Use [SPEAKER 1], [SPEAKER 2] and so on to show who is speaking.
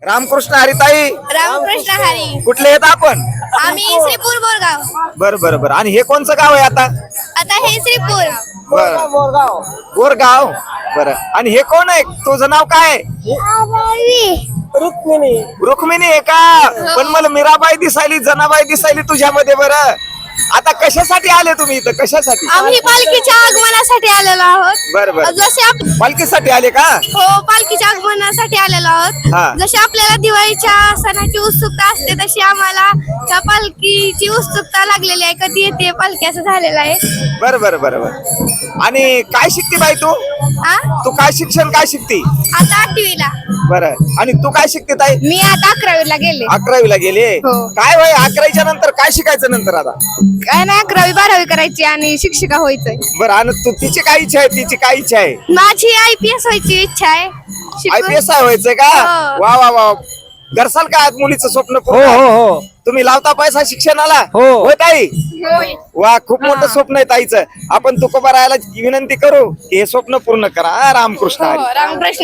[SPEAKER 1] रामकृष्ण हरिताई.
[SPEAKER 2] रामकृष्ण हरी.
[SPEAKER 1] कुठले आहेत आपण?
[SPEAKER 2] आम्ही श्रीपूर बोरगाव.
[SPEAKER 1] बर बर बर. आणि हे कोणचं गाव आहे आता?
[SPEAKER 2] आता हे श्रीपूर.
[SPEAKER 1] बर बोरगाव. बर. आणि हे कोण आहे? तुझं नाव काय? रुक्मिणी आहे का? पण मला मीराबाई दिसायली, जनाबाई दिसायली तुझ्यामध्ये. बरं, आता कशासाठी आले तुम्ही इथं? कशासाठी?
[SPEAKER 2] आम्ही पालखीच्या आगमनासाठी आलेलो आहोत.
[SPEAKER 1] बर बर.
[SPEAKER 2] जसे
[SPEAKER 1] पालखीसाठी आले का?
[SPEAKER 2] हो, पालखीच्या आगमनासाठी आलेलो
[SPEAKER 1] हा.
[SPEAKER 2] आहोत. जशी आपल्याला दिवाळीच्या सणाची उत्सुकता असते तशी आम्हाला त्या पालखीची उत्सुकता लागलेली आहे. कधी येते पालखी असं झालेलं आहे.
[SPEAKER 1] बर बर बर बर. आणि काय शिकते बाई तू?
[SPEAKER 2] हा?
[SPEAKER 1] तू काय शिक्षण काय शिकते?
[SPEAKER 2] आता 8वीला.
[SPEAKER 1] बरं. आणि तू काय शिकते ताई?
[SPEAKER 2] मी आता 11वीला गेले.
[SPEAKER 1] 11वीला गेले.
[SPEAKER 2] हो.
[SPEAKER 1] काय वय 11वीच्या नंतर काय शिकायचं नंतर आता?
[SPEAKER 2] काय नाही, 11वी 12वी करायची आणि शिक्षिका व्हायचंय.
[SPEAKER 1] बरं. आणि तू तिची काय इच्छा आहे? तिची काय इच्छा आहे?
[SPEAKER 2] माझी IPS व्हायची इच्छा आहे.
[SPEAKER 1] IPS व्हायचंय का?
[SPEAKER 2] हो.
[SPEAKER 1] वा वा वा. करसाल का आज मुलीचं स्वप्न
[SPEAKER 3] हो
[SPEAKER 1] पूर्ण?
[SPEAKER 3] हो हो
[SPEAKER 1] तुम्ही लावता पैसा शिक्षणाला?
[SPEAKER 3] हो.
[SPEAKER 1] होय ताई?
[SPEAKER 2] होय.
[SPEAKER 1] वा, खूप मोठं स्वप्न आहे ताईचं. आपण तुकोबा राहायला विनंती करू की हे स्वप्न पूर्ण करा. रामकृष्ण हरी.
[SPEAKER 2] हो, रामकृष्ण